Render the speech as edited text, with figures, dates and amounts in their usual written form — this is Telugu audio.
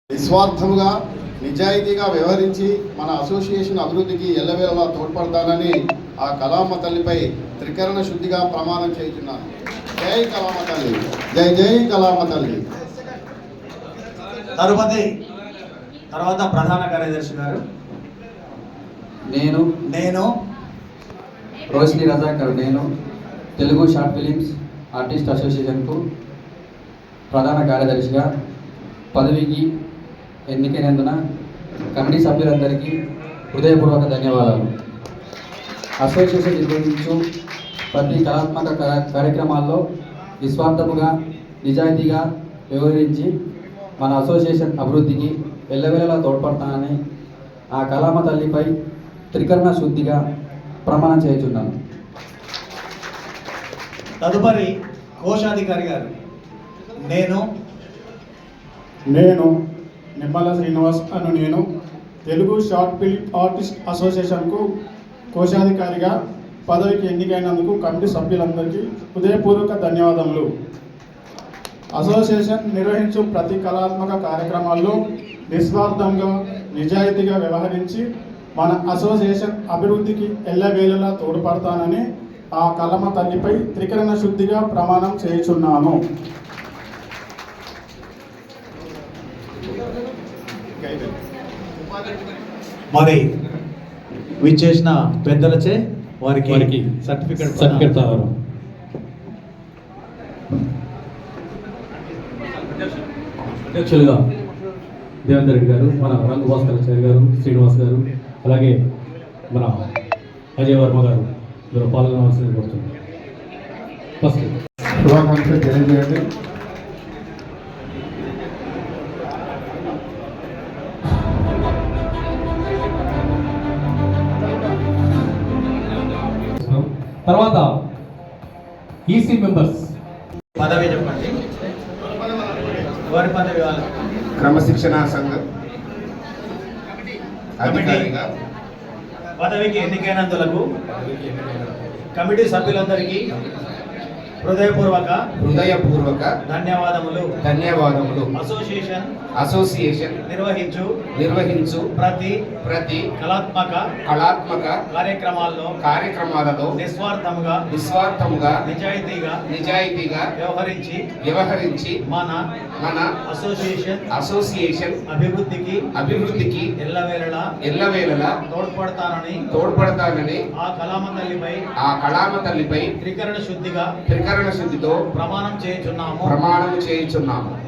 నిస్వార్థముగా నిజాయితీగా వ్యవహరించి మన అసోసియేషన్ అభివృద్ధికి ఎల్లవేళలా తోడ్పడతానని ఆ కళామ తల్లిపై త్రికరణ శుద్ధిగా ప్రమాణం చేస్తున్నాను. జై కళామ తల్లి, జై జై కళామ తల్లి. తర్వాత ప్రధాన కార్యదర్శి గారు. నేను Roshini Razakar Telugu short films artist అసోసియేషన్కు ప్రధాన కార్యదర్శిగా పదవికి ఎన్నికైనందున కమిటీ సభ్యులందరికీ హృదయపూర్వక ధన్యవాదాలు. అసోసియేషన్ నిర్వహించు ప్రతి కళాత్మక కార్యక్రమాల్లో నిస్వార్థముగా నిజాయితీగా వ్యవహరించి మన అసోసియేషన్ అభివృద్ధికి ఎల్లవేళలా తోడ్పడతానని ఆ కళామ తల్లిపై త్రికరణ శుద్ధిగా ప్రమాణం చేయుచున్నాను. తదుపరి కోశాధికారి గారు. నేను నిమ్మల శ్రీనివాస్ నేను తెలుగు షార్ట్ ఫిల్మ్ ఆర్టిస్ట్ అసోసియేషన్కు కోశాధికారిగా పదవికి ఎన్నికైనందుకు కమిటీ సభ్యులందరికీ హృదయపూర్వక ధన్యవాదములు. అసోసియేషన్ నిర్వహించు ప్రతి కళాత్మక కార్యక్రమాల్లో నిస్వార్థంగా నిజాయితీగా వ్యవహరించి మన అసోసియేషన్ అభివృద్ధికి ఎల్లవేళలా తోడ్పడతానని ఆ కళామ తల్లిపై త్రికరణ శుద్ధిగా ప్రమాణం చేయుచున్నాను. మరి విచ్చేసిన పెద్దలచే వారికి సర్టిఫికెట్ అధ్యక్షులుగా దేవేందర్ రెడ్డి గారు, మన రంగు భాస్కరాచార్య గారు, శ్రీనివాస్ గారు, అలాగే మన అజయ్ వర్మ గారు ఇందులో పాల్గొనవలసింది కోరుతుంది. ఫస్ట్ శుభాకాంక్షలు తెలియజేయండి. తర్వాత ఈసీ మెంబర్స్ పదవి చెప్పండి. వారి పదవి క్రమశిక్షణా సంఘం అధికారిగా పదవికి ఎన్నికైనందులకు కమిటీ సభ్యులందరికీ హృదయపూర్వక ధన్యవాదములు. అసోసియేషన్ నిర్వహించు ప్రతి కళాత్మక కార్యక్రమాలలో నిస్వార్థముగా నిజాయితీగా వ్యవహరించి మన అసోసియేషన్ అభివృద్ధికి ఎల్లవేళలా తోడ్పడతానని ఆ కళామ తల్లిపై త్రికరణ శుద్ధితో ప్రమాణం చేయుచున్నాము.